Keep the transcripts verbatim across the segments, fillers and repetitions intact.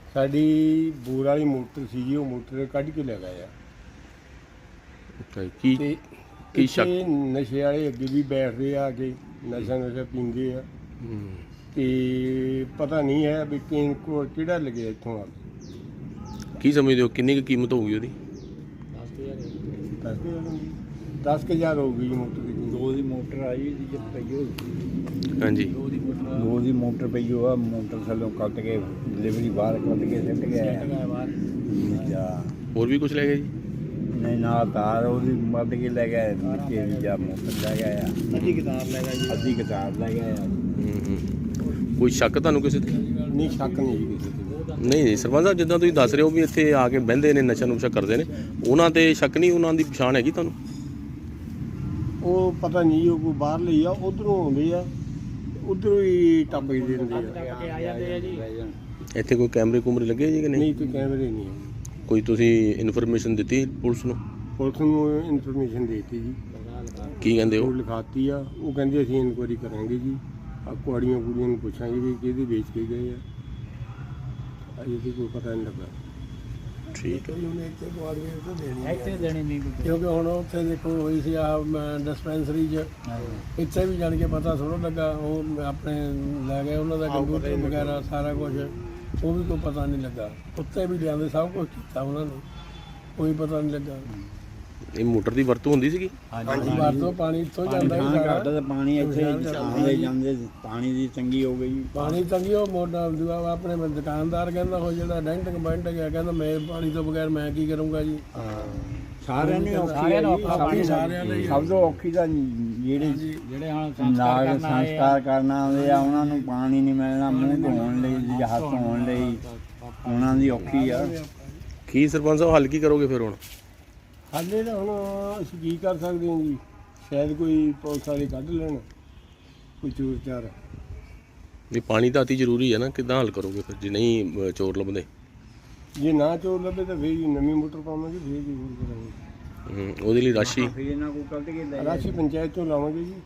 ਸਾਡੀ ਬੋਰ ਵਾਲੀ ਮੋਟਰ ਸੀ ਜੀ, ਉਹ ਮੋਟਰ ਕੱਢ ਕੇ ਲੈ ਗਏ ਆ। ਅੱਛਾ ਜੀ, ਕੀ ਤੇ ਕੀ ਇੱਥੇ ਸ਼ੱਕ? ਨਸ਼ੇ ਵਾਲੇ ਅੱਗੇ ਵੀ ਬੈਠਦੇ ਆ ਕੇ ਨਸ਼ਾ ਨਸ਼ਾ ਪੀਂਦੇ ਆ ਹੂੰ। ਤੇ ਪਤਾ ਨਹੀਂ ਹੈ ਵੀ ਕਿ ਕੋ ਕਿਹੜਾ ਲੱਗਿਆ ਇੱਥੋਂ ਆ ਕੇ। ਕੀ ਸਮਝਦੇ ਹੋ ਕਿੰਨੀ ਕੁ ਕੀਮਤ ਹੋਊਗੀ ਉਹਦੀ? ਦਸ ਕੁ ਹਜ਼ਾਰ ਹੋਊਗੀ ਜੀ ਮੋਟਰ ਦੀ। ਦੋ ਦੀ ਮੋਟਰ ਆਈ ਸੀ ਜਦ ਪਈ ਹੋਈ ਹਾਂਜੀ। ਦੋ ਦੀ ਮੋਟਰ ਪਈ ਹੋਆ ਮੋਟਰ ਥੱਲੋਂ ਕੱਟ ਕੇ ਡਿਲੀਵਰੀ ਬਾਹਰ ਕੱਢ ਕੇ ਸਿੱਟ ਗਿਆ ਬਾਹਰ। ਹੋਰ ਵੀ ਕੁਝ ਲੈ ਗਏ ਜੀ? ਨਹੀਂ ਨਾ ਤਾਰ ਉਹਦੀ ਮੱਦ ਕੇ ਲੈ ਗਏ ਬੱਚੇ ਵੀ ਜਾਂ ਮੋਟਰ ਲੈ ਗਏ ਆ। ਅੱਧੀ ਕਿਤਾਬ ਲੈ ਗਏ ਅੱਧੀ ਕਿਤਾਬ ਲੈ ਗਏ ਆ। ਹੂੰ ਹੂੰ। ਕੋਈ ਸ਼ੱਕ ਤੁਹਾਨੂੰ ਕਿਸੇ ਤੇ? ਨਹੀਂ ਸ਼ੱਕ ਨਹੀਂ ਜੀ ਕਿਸੇ ਤੇ। ਨਹੀਂ ਨਹੀਂ ਸਰਪੰਚ ਸਾਹਿਬ, ਜਿੱਦਾਂ ਤੁਸੀਂ ਦੱਸ ਰਹੇ ਹੋ ਵੀ ਇੱਥੇ ਆ ਕੇ ਬਹਿੰਦੇ ਨੇ ਨਸ਼ਾ ਨੁਸ਼ਾ ਕਰਦੇ ਨੇ, ਉਹਨਾਂ ਤੇ ਸ਼ੱਕ ਨਹੀਂ? ਉਹਨਾਂ ਦੀ ਪਛਾਣ ਹੈਗੀ ਤੁਹਾਨੂੰ? ਉਹ ਪਤਾ ਨਹੀਂ ਉਹ ਕੋਈ ਬਾਹਰ ਲਈ ਆ, ਉਧਰੋਂ ਆਉਂਦੇ ਆ, ਉਧਰੋਂ ਹੀ ਟੱਪ ਕੇ ਦਿੰਦੇ ਆ। ਇੱਥੇ ਕੋਈ ਕੈਮਰੇ ਕੁਮਰੇ ਲੱਗੇ ਜੀ ਕਿ ਨਹੀਂ? ਨਹੀਂ ਕੋਈ ਕੈਮਰੇ ਨਹੀਂ ਹੈ। ਕੋਈ ਤੁਸੀਂ ਇਨਫੋਰਮੇਸ਼ਨ ਦਿੱਤੀ ਪੁਲਿਸ ਨੂੰ? ਪੁਲਿਸ ਨੂੰ ਇਨਫੋਰਮੇਸ਼ਨ ਦੇ ਦਿੱਤੀ ਜੀ, ਕੀ ਕਹਿੰਦੇ ਉਹ ਹੋ? ਲਿਖਾਤੀ ਆ। ਉਹ ਕਹਿੰਦੇ ਅਸੀਂ ਇਨਕੁਆਇਰੀ ਕਰਾਂਗੇ ਜੀ, ਆ ਕੁਆੜੀਆਂ ਕੁੜੀਆਂ ਨੂੰ ਪੁੱਛਾਂਗੇ ਵੀ ਕਿਹਦੇ ਵੇਚ ਕੇ ਗਏ ਆ। ਅਜੇ ਤੇ ਕੋਈ ਪਤਾ ਨਹੀਂ ਲੱਗਾ। ਠੀਕ ਹੈ। ਇੱਥੇ ਦੇਣੀ ਨਹੀਂ ਕਿਉਂਕਿ ਹੁਣ ਉੱਥੇ ਦੇਖੋ ਹੋਈ ਸੀ ਆ ਡਿਸਪੈਂਸਰੀ 'ਚ, ਇੱਥੇ ਵੀ ਜਾਣ ਕੇ ਪਤਾ ਥੋੜ੍ਹਾ ਲੱਗਾ। ਉਹ ਆਪਣੇ ਲੈ ਗਏ ਉਹਨਾਂ ਦਾ ਕੰਪਿਊਟਰ ਵਗੈਰਾ ਸਾਰਾ ਕੁਝ, ਉਹ ਵੀ ਕੋਈ ਪਤਾ ਨਹੀਂ ਲੱਗਾ। ਉੱਤੇ ਵੀ ਲਿਆਂਦੇ ਸਭ ਕੁਝ ਕੀਤਾ ਉਹਨਾਂ ਨੇ, ਕੋਈ ਪਤਾ ਨਹੀਂ ਲੱਗਾ। ਇਹ ਮੋਟਰ ਦੀ ਵਰਤੋਂ ਹੁੰਦੀ ਸੀਗੀ? ਵਰਤੋਂ ਪਾਣੀ ਇੱਥੋਂ ਜਾਂਦਾ ਹੀ ਸਾਰਾ। ਘੱਟ ਤੇ ਪਾਣੀ ਇੱਥੇ ਆਉਂਦੇ ਜਾਂਦੇ ਪਾਣੀ ਦੀ ਤੰਗੀ ਹੋ ਗਈ। ਪਾਣੀ ਤੰਗੀ ਉਹ ਮੋਟਾ ਦੂਆ ਆਪਣੇ ਦੁਕਾਨਦਾਰ ਕਹਿੰਦਾ ਉਹ ਜਿਹੜਾ ਡੈਂਟਿੰਗ ਬੈਂਟ ਗਿਆ ਕਹਿੰਦਾ ਮੈਂ ਪਾਣੀ ਤੋਂ ਬਗੈਰ ਮੈਂ ਕੀ ਕਰੂੰਗਾ ਜੀ। ਸਾਰਿਆਂ ਨੂੰ ਔਖੀ ਸਾਰਿਆਂ ਨੂੰ ਔਖਾ ਹੈ ਜੀ, ਸਾਰਿਆਂ ਨੂੰ ਹੀ ਆ। ਸਭ ਤੋਂ ਔਖੀ ਤਾਂ ਜਿਹੜੇ ਜਿਹੜੇ ਹੁਣ ਸੰਸਕਾਰ ਨਾਗ ਕਰਨ ਆਏ ਆ, ਸੰਸਕਾਰ ਕਰਨ ਆਉਂਦੇ ਆ ਉਹਨਾਂ ਨੂੰ ਪਾਣੀ ਨਹੀਂ ਮਿਲਣਾ, ਮੂੰਹ ਧੋਣ ਲਈ ਜਾਂ ਹੱਥ ਧੋਣ ਲਈ ਉਹਨਾਂ ਦੀ ਔਖੀ ਆ। ਕੀ ਸਰਪੰਚ ਸਾਹਿਬ ਹੱਲ ਕੀ ਕਰੋਗੇ ਫਿਰ ਹੁਣ? ਹਾਲੇ ਤਾਂ ਹੁਣ ਅਸੀਂ ਕੀ ਕਰ ਸਕਦੇ ਹਾਂ ਜੀ, ਸ਼ਾਇਦ ਕੋਈ ਪੁਲਿਸ ਵਾਲੇ ਕੱਢ ਲੈਣ ਕੋਈ ਚੋਰ ਚਾਰ। ਵੀ ਪਾਣੀ ਤਾਂ ਅਤੀ ਜ਼ਰੂਰੀ ਹੈ ਨਾ, ਕਿੱਦਾਂ ਹੱਲ ਕਰੋਗੇ ਫਿਰ ਜੇ ਨਹੀਂ ਅ, ਚੋਰ ਲੱਭਦੇ? ਜੇ ਨਾ ਚੋਰ ਲੱਭੇ ਤਾਂ ਫੇਰ ਜੀ ਨਵੀਂ ਮੋਟਰ ਪਾਵਾਂਗੇ, ਫੇਰ ਜੀ ਹੋਰ ਕਰਾਂਗੇ। ਹੂੰ, ਉਹਦੇ ਲਈ ਰਾਸ਼ੀ? ਫਿਰ ਇਹਨਾਂ ਕੋਲ ਕੱਢ ਕੇ ਲੈ ਰਾਸ਼ੀ ਪੰਚਾਇਤ ਤੋਂ ਲਾਵਾਂਗੇ ਜੀ।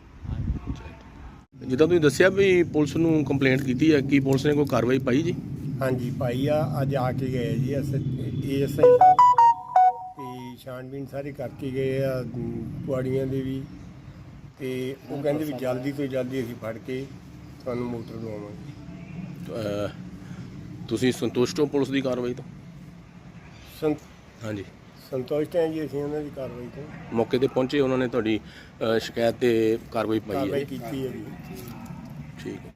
ਜਿੱਦਾਂ ਤੁਸੀਂ ਦੱਸਿਆ ਵੀ ਪੁਲਿਸ ਨੂੰ ਕੰਪਲੇਂਟ ਕੀਤੀ ਹੈ, ਕੀ ਪੁਲਿਸ ਨੇ ਕੋਈ ਕਾਰਵਾਈ ਪਾਈ ਜੀ? ਹਾਂਜੀ ਭਾਈ ਆ ਅੱਜ ਆ ਕੇ ਗਏ G S A S I ਸਾਹਿਬ, ਤੇ ਛਾਣਬੀਨ ਸਾਰੀ ਕਰਕੇ ਗਏ ਆ ਪੁਆੜੀਆਂ ਦੇ ਵੀ, ਤੇ ਉਹ ਕਹਿੰਦੇ ਵੀ ਜਲਦੀ ਤੋਂ ਜਲਦੀ ਅਸੀਂ ਫੜ ਕੇ ਤੁਹਾਨੂੰ ਮੋਟਰ ਦਵਾਵਾਂਗੇ। ਅ, ਤੁਸੀਂ ਸੰਤੁਸ਼ਟ ਹੋ ਪੁਲਿਸ ਦੀ ਕਾਰਵਾਈ ਤੋਂ? ਸੰਤ ਹਾਂਜੀ। ਸੰਤੁਸ਼ਟ ਹਾਂ ਜੀ ਅਸੀਂ ਉਹਨਾਂ ਦੀ ਕਾਰਵਾਈ ਤੋਂ। ਮੌਕੇ ਤੇ ਪਹੁੰਚੇ, ਉਹਨਾਂ ਨੇ ਤੁਹਾਡੀ ਅ, ਸ਼ਿਕਾਇਤ ਤੇ ਕਾਰਵਾਈ ਪਾਈ ਹੈ? ਕਾਰਵਾਈ ਕੀਤੀ ਹੈ ਜੀ। ਠੀਕ ਹੈ।